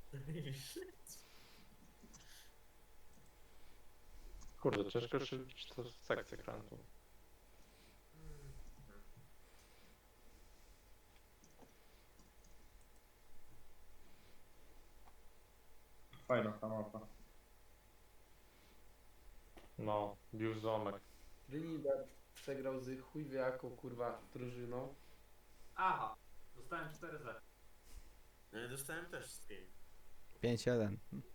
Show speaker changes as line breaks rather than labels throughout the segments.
Kurde, ciężko szybciej to sekcję krętu.
Fajna ta mapa.
No, bił zomek.
Trinidad przegrał z chuj wie jaką kurwa drużyną.
Aha, dostałem 4-0.
No ja dostałem też z 5.
5-1.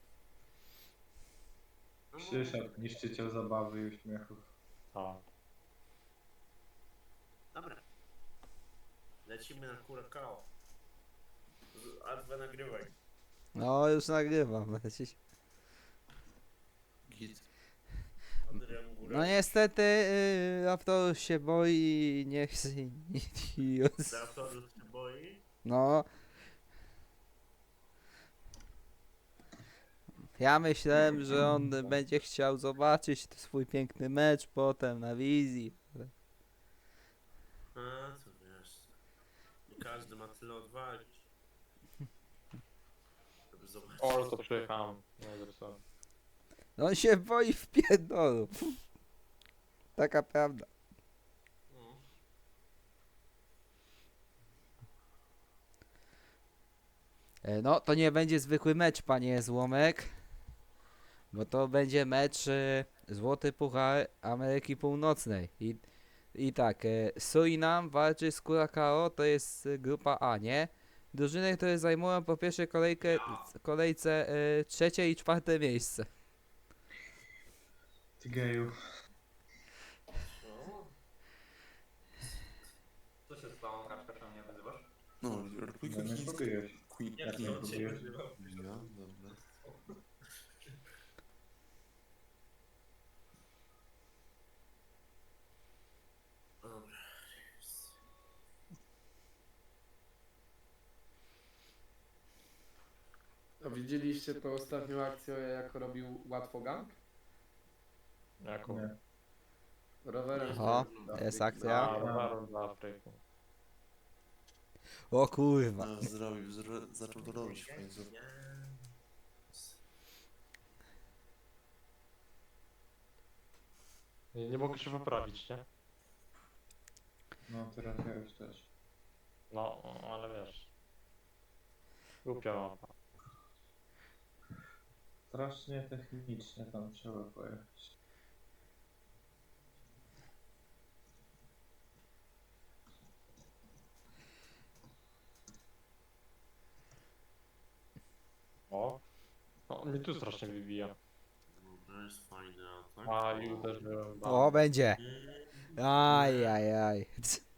Przyszedł niszczyciel zabawy i uśmiechów.
A.
Dobra. Lecimy na Curacao. Adwa nagrywaj.
No już nagrywam.
Git.
Adrian Góra.
No niestety Raptor się boi i nie chce nic.
Raptorów się boi.
No. Ja myślałem, że on będzie chciał zobaczyć swój piękny mecz potem na wizji.
A, co wiesz. Nie każdy ma tyle odwagi. Żeby zobaczyć.
O, to przyjechałem. Nie zepsułem.
No on się boi w pierdolu. Taka prawda.
No.
No to nie będzie zwykły mecz, panie Złomek. Bo to będzie mecz Złoty Puchar Ameryki Północnej. I tak, Surinam walczy z Curacao, to jest grupa A, nie? Drużyny, które zajmują po pierwszej kolejce trzecie i czwarte miejsce.
Ty geju.
No.
Co się stało, Kaczka, czemu mnie wyzywasz?
No, Republika
No nie
Chińska.
próbujesz.
Ja
Jak nie
to cię
próbujesz?
nazywam.
Ja, dobra.
Dobra.
A widzieliście tą ostatnią akcję, jak robił łatwo gang?
Jaką?
Nie.
Rowerem.
O,
do
jest
Afryki.
akcja.
A, roweru dla Afryki.
O kurwa.
No, zaczął to robić w końcu.
Nie mogę się poprawić, nie?
No teraz ja już też.
No, ale wiesz. Głupia mapa.
Strasznie technicznie tam trzeba pojechać.
O. No, mnie tu strasznie wybija.
Dobra, jest fajny atak.
A, i uderzyłem.
O, będzie. Aj, aj, aj.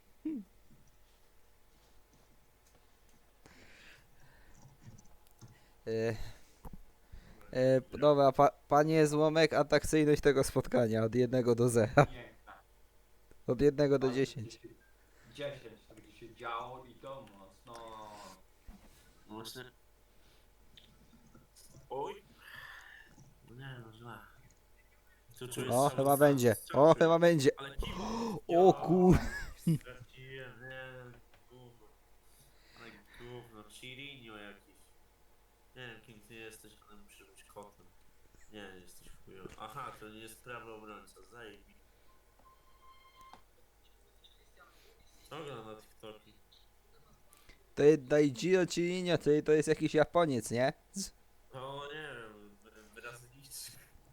Dobra, panie Złomek, atrakcyjność tego spotkania od 1 do 0.
Piękna.
Od 1 do 10.
10 to będzie się działo i to mocno.
Właśnie. Oj. No nie, no źle. Tu czuję
O,
strzał-
chyba będzie.
strzał
O,
czuję.
chyba będzie.
Ale kiwo.
O kur...
Straciłem, nie, gówno. Ale gówno, Chirinho jakiś. Nie wiem kim ty jesteś, ale muszę być kotem. Nie, jesteś chujowy. Aha, to nie jest prawy obrońca, zajebi. Co ogląda na TikToki?
To jest Daijiro Chirinho, to jest jakiś Japoniec, nie?
O nie wiem, Brazylijczyk.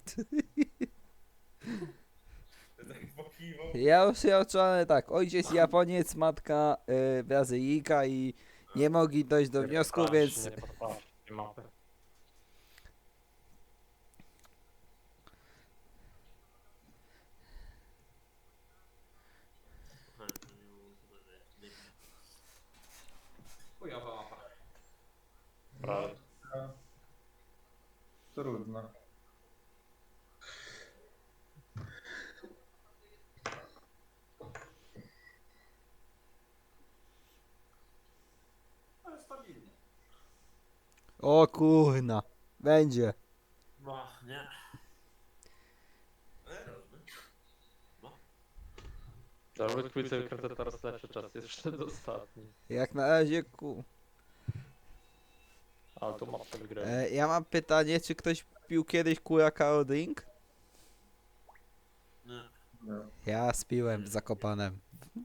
Tak pokiwał.
Ja już się oczony tak, ojciec Japoniec, matka Brazylijka i nie mogli dojść do wniosku, więc...
Nie podpatrz, nie mapy.
Aha, to nie było chyba, że nie.
Chujowa mapa.
Prawie.
A, trudno.
Ale stabilnie.
O kurna, będzie.
No, nie. Równy.
Dawid Quizel kręcę teraz lepszy czas, jest jeszcze ostatni.
Jak na razie ku...
Ale to mocno wygrałem.
Ja mam pytanie, czy ktoś pił kiedyś Curacao drink?
Nie.
No.
Ja spiłem w Zakopanem.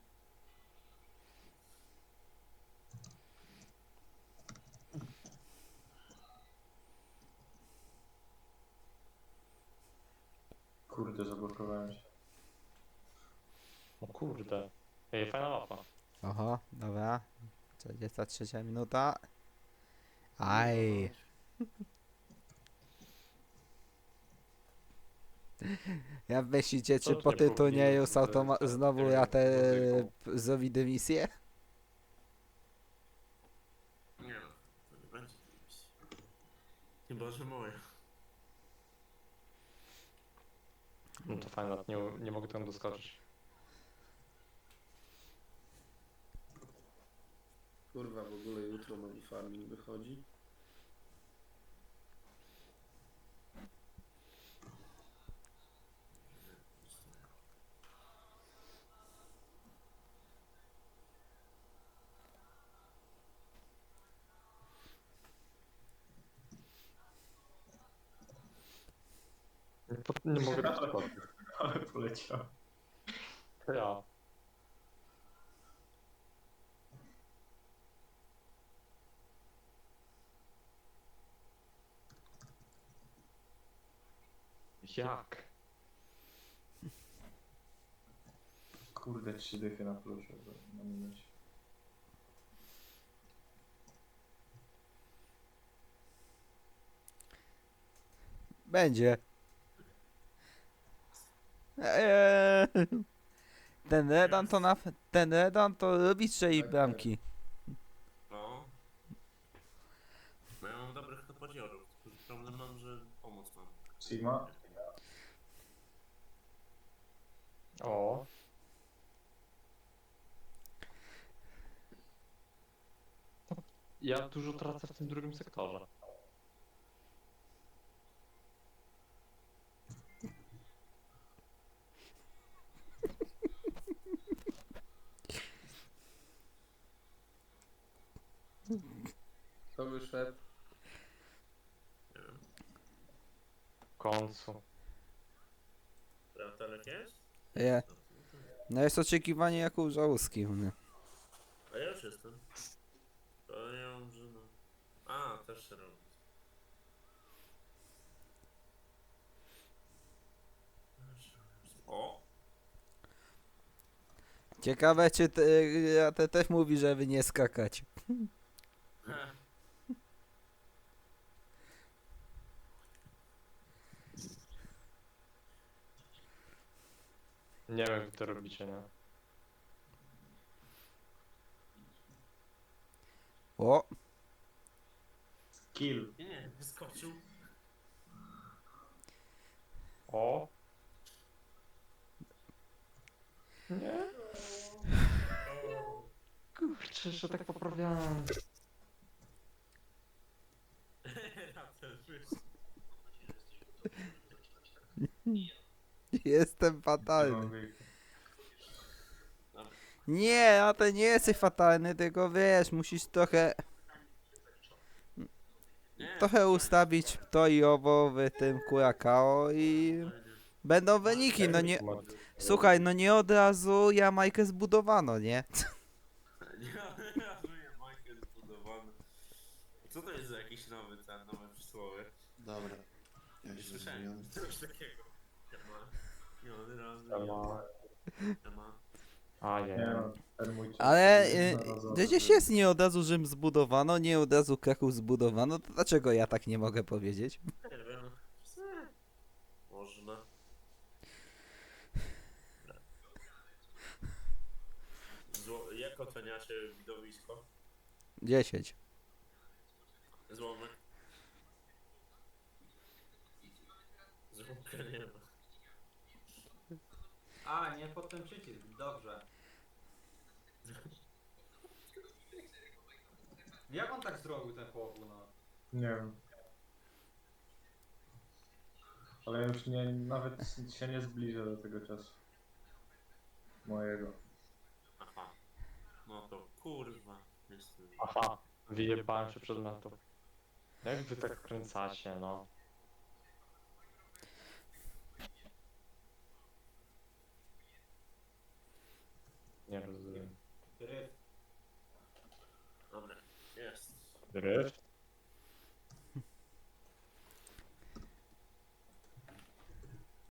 Kurde, zablokowałem się.
O kurde. Ej, fajna mapa.
Oho, dobra. 43 minuta. Aj. Jak myślicie, czy
To
po
nie
tym turnieju
powinien z-
znowu
z-
ja te
muzyką.
zrobi dymisję?
Nie no, to nie będzie dymisji. Chyba, że moja.
No to fajne, nie mogę tam doskoczyć.
Kurwa, w ogóle jutro nowy farming wychodzi.
Nie mogę doskoczyć.
Ale poleciał.
To ja. Jak?
Kurde, 3 dychy na plusie. Na minucie.
Będzie. Ten Redan to robi strzeli
Tak,
bramki.
No. No ja mam dobrych napadziorów, tylko że problem mam, że pomoc mam.
Sigma?
O. Ja dużo tracę w tym drugim sektorze.
To wyszedł.
Nie wiem.
W końcu.
Telek jest?
Je. No jest oczekiwanie jak u Żałuski u mnie.
A ja już jestem. To ja mam, że no. A, też się robi. O!
Ciekawe czy te też mówi, żeby nie skakać.
Nie wiem, jak wy to robicie, nie?
O,
Kill.
Nie, wyskoczył.
O. Nie? Kurczę, że tak poprawiałem.
Raptor wyszedł.
jestem fatalny. Nie, a ty nie jesteś fatalny, tylko wiesz, musisz trochę ustawić to i owo w tym Curacao i będą wyniki, no nie, słuchaj, no nie od razu Jamajkę zbudowano, nie?
Ja żyję, Michael zbudowany. Co to jest za jakiś nowe przysłowie?
Dobra. Ja
Nie
się
słyszałem
zmieniam.
coś takiego. Nie od razu.
Ema.
Ema.
A
Nie
nie.
no, ten mój czas
Ale
jest znalazony.
przecież jest nie od razu Rzym zbudowano, nie od razu Kraków zbudowano, to dlaczego ja tak nie mogę powiedzieć?
Nie wiem. Można. Jak oceniacie widowisko?
10.
Złomek. Złomka nie ma.
A, nie pod ten przycisk, dobrze. Jak on tak zrobił ten chłopu, no?
Nie wiem. Ale już nie, nawet się nie zbliżę do tego czasu. Mojego.
Aha. No to kurwa. Jestem.
Aha. Wyjebałem się przed metą. Jak wy tak kręcacie, no? Nie rozumiem.
Ryb.
Dobra, jest.
Dryft?